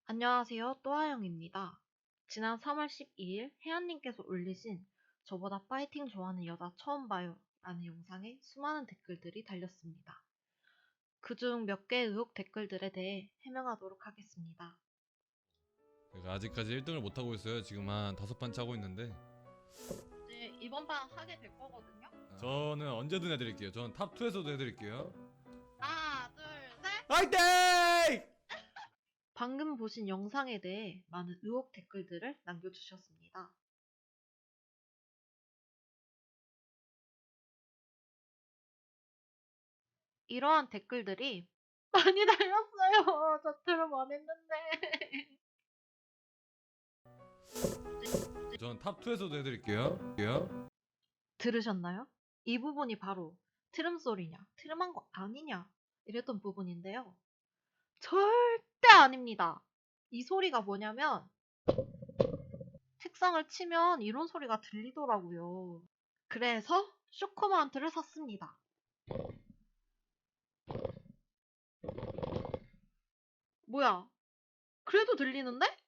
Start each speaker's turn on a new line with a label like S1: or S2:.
S1: 안녕하세요. 또아영입니다. 지난 3월 12일 혜연님께서 올리신 "저보다 파이팅 좋아하는 여자 처음 봐요" 라는 영상에 수많은 댓글들이 달렸습니다. 그중 몇 개의 의혹 댓글들에 대해 해명하도록 하겠습니다.
S2: 제가 아직까지 1등을 못하고 있어요. 지금 한 5판 차고 있는데
S1: 이제 이번 판 하게 될 거거든요.
S2: 저는 언제든 해드릴게요. 저는 탑2에서도 해드릴게요.
S1: 하나, 둘, 셋!
S2: 화이팅!
S1: 방금 보신 영상에 대해 많은 의혹 댓글들을 남겨주셨습니다. 이러한 댓글들이 많이 달렸어요. 저 트름 안 했는데.
S2: 저는 탑2에서도 해드릴게요.
S1: 들으셨나요? 이 부분이 바로 트름 소리냐, 트름한 거 아니냐 이랬던 부분인데요. 절대 아닙니다. 이 소리가 뭐냐면 책상을 치면 이런 소리가 들리더라고요. 그래서 쇼크 마운트를 샀습니다. 뭐야? 그래도 들리는데?